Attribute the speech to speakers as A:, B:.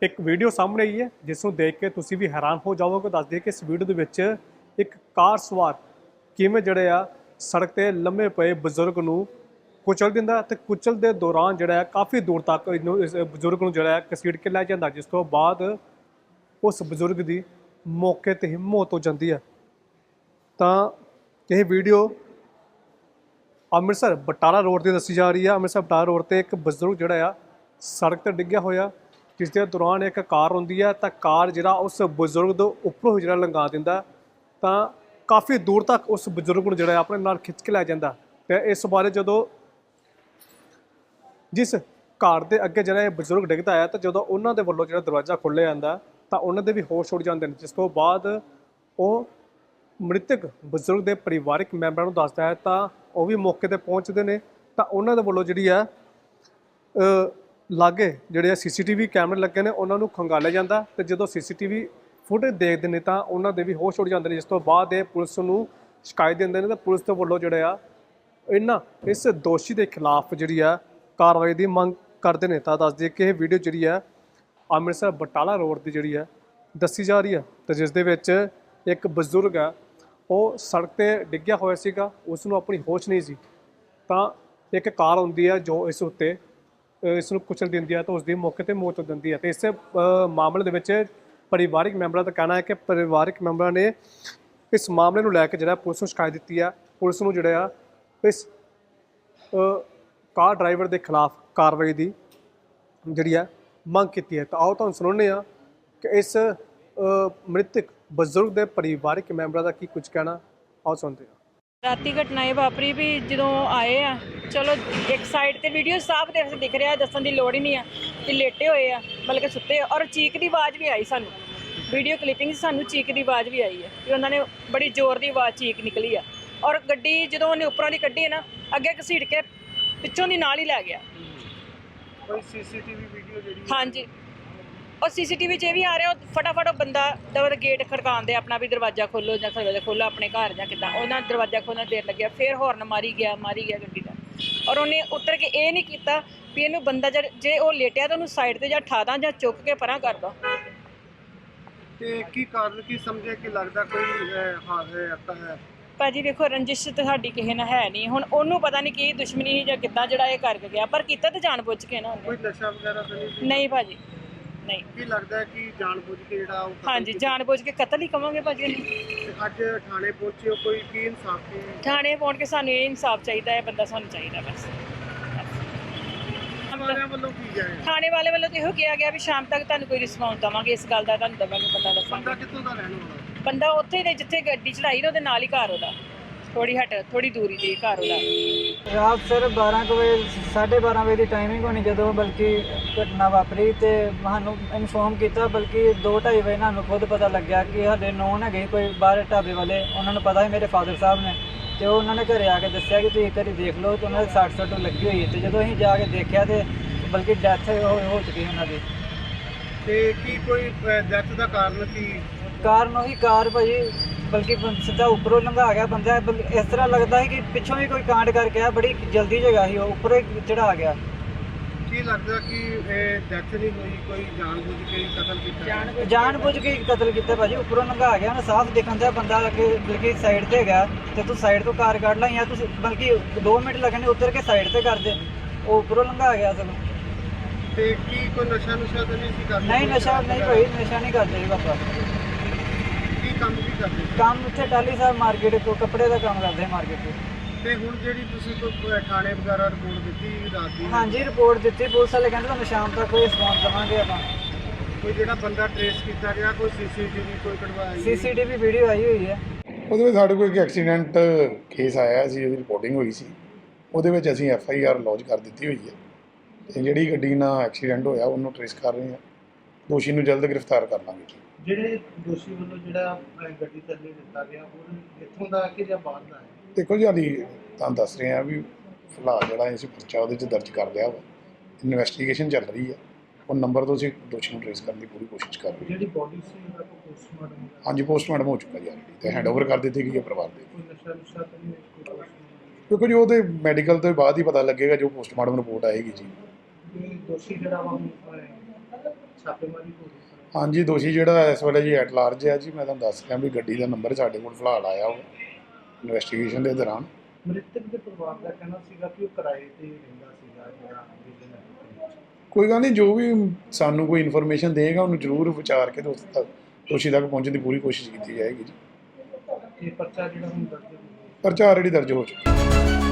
A: ਇੱਕ ਵੀਡੀਓ ਸਾਹਮਣੇ ਆਈ ਹੈ ਜਿਸ ਨੂੰ ਦੇਖ ਕੇ ਤੁਸੀਂ ਵੀ ਹੈਰਾਨ ਹੋ ਜਾਵੋਗੇ। ਦੱਸ ਦਈਏ ਕਿ ਇਸ ਵੀਡੀਓ ਦੇ ਵਿੱਚ ਇੱਕ ਕਾਰ ਸਵਾਰ ਕਿਵੇਂ ਜਿਹੜੇ ਆ ਸੜਕ ਤੇ ਲੰਮੇ ਪਏ ਬਜ਼ੁਰਗ ਨੂੰ ਕੁਚਲ ਦਿੰਦਾ ਤੇ ਕੁਚਲ ਦੇ ਦੌਰਾਨ ਜਿਹੜਾ ਹੈ ਕਾਫੀ ਦੂਰ ਤੱਕ ਇਹਨੂੰ ਇਸ ਬਜ਼ੁਰਗ ਨੂੰ ਜਿਹੜਾ ਹੈ ਘਸੀਟ ਕੇ ਲੈ ਜਾਂਦਾ, ਜਿਸ ਤੋਂ ਬਾਅਦ ਉਸ ਬਜ਼ੁਰਗ ਦੀ ਮੌਕੇ ਤੇ ਹੀ ਮੌਤ ਹੋ ਜਾਂਦੀ ਹੈ। ਤਾਂ ਇਹ ਵੀਡੀਓ ਅੰਮ੍ਰਿਤਸਰ ਬਟਾਲਾ ਰੋਡ ਤੇ ਦੱਸੀ ਜਾ ਰਹੀ ਹੈ। ਅੰਮ੍ਰਿਤਸਰ ਬਟਾਲਾ ਰੋਡ ਤੇ ਇੱਕ ਬਜ਼ੁਰਗ ਜਿਹੜਾ ਆ ਸੜਕ ਤੇ ਡਿੱਗਿਆ ਹੋਇਆ, ਜਿਸ ਦੇ ਦੌਰਾਨ ਇੱਕ ਕਾਰ ਹੁੰਦੀ ਹੈ ਤਾਂ ਕਾਰ ਜਿਹੜਾ ਉਸ ਬਜ਼ੁਰਗ ਦੇ ਉੱਪਰੋਂ ਜਿਹੜਾ ਲੰਘਾ ਦਿੰਦਾ ਤਾਂ ਕਾਫੀ ਦੂਰ ਤੱਕ ਉਸ ਬਜ਼ੁਰਗ ਨੂੰ ਜਿਹੜਾ ਆਪਣੇ ਨਾਲ ਖਿੱਚ ਕੇ ਲੈ ਜਾਂਦਾ। ਤੇ ਇਸ ਬਾਰੇ ਜਦੋਂ ਜਿਸ ਕਾਰ ਦੇ ਅੱਗੇ ਜਿਹੜਾ ਇਹ ਬਜ਼ੁਰਗ ਡਿੱਗਦਾ ਹੈ ਤਾਂ ਜਦੋਂ ਉਹਨਾਂ ਦੇ ਵੱਲੋਂ ਜਿਹੜਾ ਦਰਵਾਜ਼ਾ ਖੋਲ੍ਹਿਆ ਜਾਂਦਾ ਤਾਂ ਉਹਨਾਂ ਦੇ ਵੀ ਹੋਸ਼ ਉੱਡ ਜਾਂਦੇ ਨੇ, ਜਿਸ ਤੋਂ ਬਾਅਦ ਉਹ ਮ੍ਰਿਤਕ ਬਜ਼ੁਰਗ ਦੇ ਪਰਿਵਾਰਕ ਮੈਂਬਰਾਂ ਨੂੰ ਦੱਸਦਾ ਹੈ ਤਾਂ ਉਹ ਵੀ ਮੌਕੇ ਤੇ ਪਹੁੰਚਦੇ ਨੇ ਤਾਂ ਉਹਨਾਂ ਦੇ ਵੱਲੋਂ ਜਿਹੜੀ ਹੈ ਲਾਗੇ ਜਿਹੜੇ CCTV ਕੈਮਰੇ ਲੱਗੇ ਨੇ ਉਹਨਾਂ ਨੂੰ ਖੰਗਾਲਿਆ ਜਾਂਦਾ ਤੇ ਜਦੋਂ CCTV ਫੁਟੇਜ ਦੇਖਦੇ ਨੇ ਤਾਂ ਉਹਨਾਂ ਦੇ ਵੀ ਹੋਸ਼ ਉੱਡ ਜਾਂਦੇ ਨੇ, ਜਿਸ ਤੋਂ ਬਾਅਦ ਇਹ ਪੁਲਿਸ ਨੂੰ ਸ਼ਿਕਾਇਤ ਦਿੰਦੇ ਨੇ ਤਾਂ ਪੁਲਿਸ ਦੇ ਵੱਲੋਂ ਜਿਹੜੇ ਆ ਇਸ ਦੋਸ਼ੀ ਦੇ ਖਿਲਾਫ ਜਿਹੜੀ ਆ ਕਾਰਵਾਈ ਦੀ ਮੰਗ ਕਰਦੇ ਨੇ। ਤਾਂ ਦੱਸ ਦਈਏ ਕਿ ਇਹ ਵੀਡੀਓ ਜਿਹੜੀ ਆ ਅੰਮ੍ਰਿਤਸਰ ਬਟਾਲਾ ਰੋਡ ਦੀ ਜਿਹੜੀ ਆ ਦੱਸੀ ਜਾ ਰਹੀ ਹੈ ਤੇ ਜਿਸ ਦੇ ਵਿੱਚ ਇੱਕ ਬਜ਼ੁਰਗ ਆ ਉਹ ਸੜਕ ਤੇ ਡਿੱਗਿਆ ਹੋਇਆ ਸੀਗਾ, ਉਸ ਨੂੰ ਆਪਣੀ ਹੋਸ਼ ਨਹੀਂ ਸੀ ਤਾਂ ਇੱਕ ਕਾਰ ਹੁੰਦੀ ਹੈ ਜੋ ਇਸ ਉੱਤੇ ਇਸ ਨੂੰ ਕੁਚਲ ਦਿੰਦੀ ਹੈ ਤਾਂ ਉਸ ਦੀ ਮੌਕੇ ਤੇ ਮੌਤ ਹੋ ਜਾਂਦੀ ਹੈ। ਤੇ ਇਸ ਮਾਮਲੇ ਦੇ ਵਿੱਚ ਪਰਿਵਾਰਕ ਮੈਂਬਰਾਂ ਦਾ ਕਹਿਣਾ ਹੈ ਕਿ ਪਰਿਵਾਰਕ ਮੈਂਬਰਾਂ ਨੇ ਇਸ ਮਾਮਲੇ ਨੂੰ ਲੈ ਕੇ ਜਿਹੜਾ ਪੁਲਿਸ ਨੂੰ ਸ਼ਿਕਾਇਤ ਦਿੱਤੀ ਹੈ। ਪੁਲਿਸ ਨੂੰ ਜਿਹੜਾ ਇਸ ਕਾਰ ਡਰਾਈਵਰ ਦੇ ਖਿਲਾਫ ਕਾਰਵਾਈ ਦੀ ਜਿਹੜੀ ਹੈ ਮੰਗ ਕੀਤੀ ਹੈ। ਤਾਂ ਆਓ ਤੁਹਾਨੂੰ ਸੁਣਾਉਂਦੇ ਹਾਂ ਕਿ ਇਸ ਮ੍ਰਿਤਕ ਬਜ਼ੁਰਗ ਦੇ ਪਰਿਵਾਰਕ ਮੈਂਬਰਾਂ ਦਾ ਕੀ ਕੁਝ ਕਹਿਣਾ, ਆਓ ਸੁਣਦੇ ਹਾਂ।
B: ਰਾਤੀ ਘਟਨਾ ਇਹ ਵਾਪਰੀ ਵੀ ਜਦੋਂ ਆਏ ਆ, ਚਲੋ ਇੱਕ ਸਾਈਡ ਤੇ ਵੀਡੀਓ ਸਾਫ਼ ਦਿਖ ਰਿਹਾ, ਦੱਸਣ ਦੀ ਲੋੜ ਹੀ ਨਹੀਂ ਆ ਕਿ ਲੇਟੇ ਹੋਏ ਆ ਬਲਕਿ ਸੁੱਤੇ, ਔਰ ਚੀਕ ਦੀ ਆਵਾਜ਼ ਵੀ ਆਈ ਸਾਨੂੰ, ਵੀਡੀਓ ਕਲਿੱਪਿੰਗ ਸਾਨੂੰ ਚੀਕ ਦੀ ਆਵਾਜ਼ ਵੀ ਆਈ ਹੈ ਕਿ ਉਹਨਾਂ ਨੇ ਬੜੀ ਜ਼ੋਰ ਦੀ ਆਵਾਜ਼ ਚੀਕ ਨਿਕਲੀ ਆ। ਔਰ ਗੱਡੀ ਜਦੋਂ ਉਹਨੇ ਉੱਪਰੋਂ ਦੀ ਕੱਢੀ ਨਾ ਅੱਗੇ ਘਸੀਟ ਕੇ ਪਿੱਛੋਂ ਦੀ ਨਾਲ ਹੀ ਲੈ ਗਿਆ।
C: ਕੋਈ CCTV ਵੀਡੀਓ ਜਿਹੜੀ
B: ਹਾਂਜੀ, और CCTV 'ਚ ਇਹ ਵੀ ਆ ਰਿਹਾ, ਉਹ ਫਟਾਫਟ ਉਹ ਬੰਦਾ ਦਵਰ ਗੇਟ ਖੜਕਾਉਂਦੇ ਆਪਣਾ ਵੀ ਦਰਵਾਜ਼ਾ ਖੋਲੋ ਜਾਂ ਦਰਵਾਜ਼ਾ ਖੋਲੋ ਆਪਣੇ ਘਰ ਜਾਂ ਕਿੱਦਾਂ, ਉਹਨਾਂ ਦਰਵਾਜ਼ਾ ਖੋਲ੍ਹਣ ਦੇਰ ਲੱਗਿਆ, ਫਿਰ ਹੌਰਨ ਮਾਰੀ ਗਿਆ ਗੱਡੀ ਦਾ। ਔਰ ਉਹਨੇ ਉਤਰ ਕੇ ਇਹ ਨਹੀਂ ਕੀਤਾ ਵੀ ਇਹਨੂੰ ਬੰਦਾ ਜੇ ਉਹ ਲੇਟਿਆ ਤਾਂ ਉਹਨੂੰ ਸਾਈਡ ਤੇ ਜਾਂ ਠਾ ਦਾਂ ਜਾਂ ਚੁੱਕ ਕੇ ਪਰਾਂ ਕਰ ਦਾਂ।
C: ਤੇ ਕੀ ਕਾਰਨ ਕੀ ਸਮਝੇ ਕਿ ਲੱਗਦਾ ਕੋਈ ਹਾਦਸਾ ਹੈ?
B: ਭਾਜੀ ਵੇਖੋ, ਰੰਜਿਸ਼ ਤਾਂ ਸਾਡੀ ਕਿਸੇ ਨਾਲ ਹੈ ਨਹੀਂ, ਹੁਣ ਉਹਨੂੰ ਪਤਾ ਨਹੀਂ ਕੀ ਦੁਸ਼ਮਣੀ ਸੀ ਜਾਂ ਕਿੱਦਾਂ ਜਿਹੜਾ ਇਹ ਕਰਕੇ ਗਿਆ, ਪਰ ਕੀਤਾ ਤਾਂ ਜਾਣ ਬੁੱਝ ਕੇ ਨਾ
C: ਕੋਈ
B: ਉਹਨੇ।
C: ਨਸ਼ਾ ਵਗੈਰਾ ਤਾਂ ਨਹੀਂ?
B: ਨਹੀਂ ਭਾਜੀ, ਨਹੀਂ।
C: ਕੀ ਲੱਗਦਾ ਹੈ ਕਿ ਜਾਣਬੁੱਝ ਕੇ ਜਿਹੜਾ ਉਹ
B: ਹਾਂਜੀ, ਜਾਣ ਬੁੱਝ ਕੇ ਕਤਲ ਹੀ ਕਵਾਂਗੇ ਭਾਜੀ ਉਹਨੂੰ।
C: ਤੇ ਅੱਜ ਥਾਣੇ ਪਹੁੰਚੇ ਹੋ, ਕੋਈ ਕੀ ਇਨਸਾਫ ਕੀ?
B: ਥਾਣੇ ਪਹੁੰਚ ਕੇ ਸਾਨੂੰ ਇਹ ਇਨਸਾਫ ਚਾਹੀਦਾ ਹੈ, ਬੰਦਾ ਸਾਨੂੰ ਚਾਹੀਦਾ ਬਸ।
C: ਵਾਲਿਆਂ ਵੱਲੋਂ ਕੀ ਜਾਏ?
B: ਥਾਣੇ ਵਾਲੇ ਵੱਲੋਂ ਤਾਂ ਇਹੋ ਕਿਹਾ ਗਿਆ ਵੀ ਸ਼ਾਮ ਤੱਕ ਤੁਹਾਨੂੰ ਕੋਈ ਰਿਸਪੌਂਸ ਦੇਵਾਂਗੇ, ਇਸ ਗੱਲ ਦਾ ਤੁਹਾਨੂੰ ਦੇਵਾਂਗੇ ਪਤਾ
C: ਬੰਦਾ
B: ਦੱਸਾਂਗੇ।
C: ਕਿੱਥੋਂ ਦਾ ਰਹਿਣ ਵਾਲਾ?
B: ਬੰਦਾ ਉੱਥੇ ਦੇ ਜਿੱਥੇ ਗੱਡੀ ਚੜਾਈ ਨਾ ਉਹਦੇ ਨਾਲ ਹੀ ਘਰ ਉਹਦਾ, ਥੋੜੀ ਦੂਰੀ ਤੇ ਘਰ ਉਹਦਾ।
D: ਰਾਤ ਸਰ 12 ਕੁ ਵਜੇ 12:30 ਵਜੇ ਦੀ ਟਾਈਮਿੰਗ ਹੋਣੀ ਜਦੋਂ ਬਲਕਿ ਘਟਨਾ ਵਾਪਰੀ ਤੇ ਸਾਨੂੰ ਇਨਫੋਰਮ ਕੀਤਾ, ਬਲਕਿ 2:30 ਵਜੇ ਸਾਨੂੰ ਖੁਦ ਪਤਾ ਲੱਗਿਆ ਕਿ ਸਾਡੇ ਨੌਨ ਹੈਗੇ ਕੋਈ ਬਾਹਰ ਢਾਬੇ ਵਾਲੇ, ਉਹਨਾਂ ਨੂੰ ਪਤਾ ਸੀ ਮੇਰੇ ਫਾਦਰ ਸਾਹਿਬ ਨੇ, ਤੇ ਉਹਨਾਂ ਨੇ ਘਰੇ ਆ ਕੇ ਦੱਸਿਆ ਕਿ ਤੁਸੀਂ ਇੱਕ ਵਾਰੀ ਦੇਖ ਲਓ, ਤੇ ਉਹਨਾਂ ਦੇ 60 ਲੱਗੀ ਹੋਈ ਹੈ। ਤੇ ਜਦੋਂ ਅਸੀਂ ਜਾ ਕੇ ਦੇਖਿਆ ਤੇ ਬਲਕਿ ਡੈਥ ਹੋ ਚੁੱਕੀ ਉਹਨਾਂ ਦੀ।
C: ਤੇ ਕੀ ਕੋਈ ਡੈਥ ਦਾ ਕਾਰਨ ਕੀ?
D: ਕਾਰਨ ਉਹੀ ਕਾਰ ਭਾਜੀ ਬਲਕਿ ਸਿੱਧਾ ਉੱਪਰੋਂ ਲੰਘਾ ਗਿਆ ਬੰਦਾ, ਇਸ ਤਰ੍ਹਾਂ ਲੱਗਦਾ ਹੈ ਕਿ ਪਿੱਛੋਂ ਵੀ ਕੋਈ ਕਾਂਡ ਕਰਕੇ ਆ, ਬੜੀ ਜਲਦੀ ਜਗ੍ਹਾ ਸੀ, ਉਹ ਉੱਪਰੋਂ ਹੀ ਚੜਾ ਗਿਆ।
C: ਕੀ ਲੱਗਦਾ ਕਿ ਇਹ ਡੈਥ ਨਹੀਂ ਹੋਈ, ਕੋਈ ਜਾਣਬੁੱਝ ਕੇ ਕਤਲ ਕੀਤਾ?
D: ਜਾਣਬੁੱਝ ਕੇ ਕਤਲ ਕੀਤਾ ਭਾਜੀ, ਉੱਪਰੋਂ ਲੰਘਾ ਗਿਆ ਨਾ, ਸਾਫ਼ ਦਿਖਣ ਦਿਆ ਬੰਦਾ ਅੱਗੇ ਬਲਕਿ ਸਾਈਡ ਤੇ ਹੈਗਾ ਤੇ ਤੂੰ ਸਾਈਡ ਤੋਂ ਕਾਰ ਕੱਢ ਲਾ, ਜਾਂ ਤੁਸੀਂ ਬਲਕਿ 2 ਮਿੰਟ ਲੱਗਣੇ ਉਤਰ ਕੇ ਸਾਈਡ ਤੇ ਕਰ ਦੇ, ਉਹ ਉੱਪਰੋਂ ਲੰਘਾ ਗਿਆ ਸਗੋਂ।
C: ਤੇ ਕੀ ਕੋਈ ਨਸ਼ਾ ਤਾਂ ਨਹੀਂ ਸੀ ਕਰਦਾ?
D: ਨਹੀਂ, ਨਸ਼ਾ ਨਹੀਂ ਭਾਈ, ਨਸ਼ਾ ਨਹੀਂ ਕਰਦੇ ਜੀ ਪਾਪਾ।
C: ਕੀ ਕੰਮ ਕੀ ਕਰਦੇ?
D: ਕੰਮ ਇੱਥੇ ਟਾਲੀ ਸਾਹਿਬ ਮਾਰਕੀਟ ਤੋਂ ਕੱਪੜੇ ਦਾ ਕੰਮ ਕਰਦੇ ਮਾਰਕੀਟ 'ਚ।
C: ਤੇ ਹੁਣ ਜਿਹੜੀ ਤੁਸੀਂ ਕੋਈ ਥਾਣੇ ਵਗੈਰਾ ਰਿਪੋਰਟ ਦਿੱਤੀ ਰਾਤ ਦੀ?
D: ਹਾਂਜੀ, ਰਿਪੋਰਟ ਦਿੱਤੀ, ਪੁਲਿਸ ਵਾਲੇ ਕਹਿੰਦੇ ਤੁਹਾਨੂੰ ਸ਼ਾਮ ਤੱਕ ਕੋਈ ਰਿਸਪੌਂਸ ਦੇਵਾਂਗੇ ਆਪਾਂ।
C: ਕੋਈ ਜਿਹੜਾ ਬੰਦਾ ਟ੍ਰੇਸ ਕੀਤਾ ਗਿਆ, ਕੋਈ CCTV ਕੋਈ ਕਢਵਾਈ?
D: CCTV ਵੀਡੀਓ ਆਈ ਹੋਈ ਹੈ।
E: ਉਹਦੇ ਵਿੱਚ ਸਾਡੇ ਕੋਲ ਇੱਕ ਐਕਸੀਡੈਂਟ ਕੇਸ ਆਇਆ ਸੀ, ਉਹਦੀ ਰਿਪੋਰਟਿੰਗ ਹੋਈ ਸੀ, ਉਹਦੇ ਵਿੱਚ ਅਸੀਂ FIR ਲੌਂਚ ਕਰ ਦਿੱਤੀ ਹੋਈ ਹੈ ਤੇ ਜਿਹੜੀ ਗੱਡੀ ਨਾਲ ਐਕਸੀਡੈਂਟ ਹੋਇਆ ਉਹਨੂੰ ਟ੍ਰੇਸ ਕਰ ਰਹੇ ਹਾਂ, ਦੋਸ਼ੀ ਨੂੰ ਜਲਦ ਗ੍ਰਿਫਤਾਰ ਕਰ ਲਾਂਗੇ।
C: ਜਿਹੜੇ ਦੋਸ਼ੀ ਵੱਲੋਂ ਜਿਹੜਾ ਗੱਡੀ ਥੱਲੇ ਦਿੱਤਾ ਗਿਆ ਉਹ ਇੱਥੋਂ ਦਾ ਕਿ ਜਾਂ ਬਾਹਰ ਦਾ ਹੈ?
E: ਦੇਖੋ ਜੀ, ਹਾਲੀ ਤੁਹਾਨੂੰ ਦੱਸ ਰਹੇ ਹਾਂ ਵੀ ਫਿਲਹਾਲ ਜਿਹੜਾ ਅਸੀਂ ਪਰਚਾ ਉਹਦੇ 'ਚ ਦਰਜ ਕਰ ਲਿਆ ਵਾ, ਇਨਵੈਸਟੀਗੇਸ਼ਨ ਚੱਲ ਰਹੀ ਹੈ, ਉਹ ਨੰਬਰ ਤੋਂ ਅਸੀਂ ਦੋਸ਼ੀ ਨੂੰ ਟ੍ਰੇਸ ਕਰਨ ਦੀ ਪੂਰੀ ਕੋਸ਼ਿਸ਼ ਕਰ ਰਹੇ ਹਾਂ।
C: ਜਿਹੜੀ ਬੋਡੀ ਸੀ ਉਹਦਾ ਪੋਸਟਮਾਰਟਮ?
E: ਹਾਂਜੀ, ਪੋਸਟਮਾਰਟਮ ਹੋ ਚੁੱਕਾ ਜੀ ਆਲਰੇਡੀ ਤੇ ਹੈਂਡਓਵਰ ਕਰ ਦਿੱਤੀ ਗਈ ਹੈ ਪਰਿਵਾਰ ਦੇ।
C: ਕੋਈ ਨਸ਼ਾ ਤਾਂ ਨਹੀਂ?
E: ਕਿਉਂਕਿ ਜੀ ਉਹਦੇ ਮੈਡੀਕਲ ਤੋਂ ਬਾਅਦ ਹੀ ਪਤਾ ਲੱਗੇਗਾ, ਜੋ ਪੋਸਟਮਾਰਟਮ ਰਿਪੋਰਟ ਆਏਗੀ ਜੀ।
C: ਦੋਸ਼ੀ ਜਿਹੜਾ ਵਾ ਛਾਪੇਮਾਰੀ ਹੋ ਰਹੀ ਸਰ।
E: ਹਾਂਜੀ, ਦੋਸ਼ੀ ਜਿਹੜਾ ਇਸ ਵੇਲੇ ਜੀ ਐਟ ਲਾਰਜ ਹੈ ਜੀ। ਮੈਂ ਤੁਹਾਨੂੰ ਦੱਸ ਰਿਹਾ ਵੀ ਗੱਡੀ ਦਾ ਨੰਬਰ ਸਾਡੇ ਕੋਲ ਫਿਲਹਾਲ ਆਇਆ ਉਹ ਇਨਵੈਸਟੀਗੇਸ਼ਨ ਦੇ ਦੌਰਾਨ।
C: ਮ੍ਰਿਤਕ ਦੇ ਪਰਿਵਾਰ ਦਾ ਕਹਿਣਾ ਸੀਗਾ ਕਿ ਉਹ ਕਿਰਾਏ ਤੇ ਰਹਿੰਦਾ ਸੀਗਾ ਜਿਹੜਾ ਵਿਜਨ ਹੈ।
E: ਕੋਈ ਗੱਲ ਨਹੀਂ, ਜੋ ਵੀ ਸਾਨੂੰ ਕੋਈ ਇਨਫੋਰਮੇਸ਼ਨ ਦੇਗਾ ਉਹਨੂੰ ਜ਼ਰੂਰ ਵਿਚਾਰ ਕੇ ਦੋਸ਼ੀ ਤੱਕ ਪਹੁੰਚਣ ਦੀ ਪੂਰੀ ਕੋਸ਼ਿਸ਼ ਕੀਤੀ ਜਾਏਗੀ ਜੀ।
C: ਇਹ ਪਰਚਾ ਜਿਹੜਾ ਹੁਣ ਦਰਜ ਹੋ ਗਿਆ।
E: ਪਰਚਾ ਆਲਰੇਡੀ ਦਰਜ ਹੋ ਚੁੱਕਾ।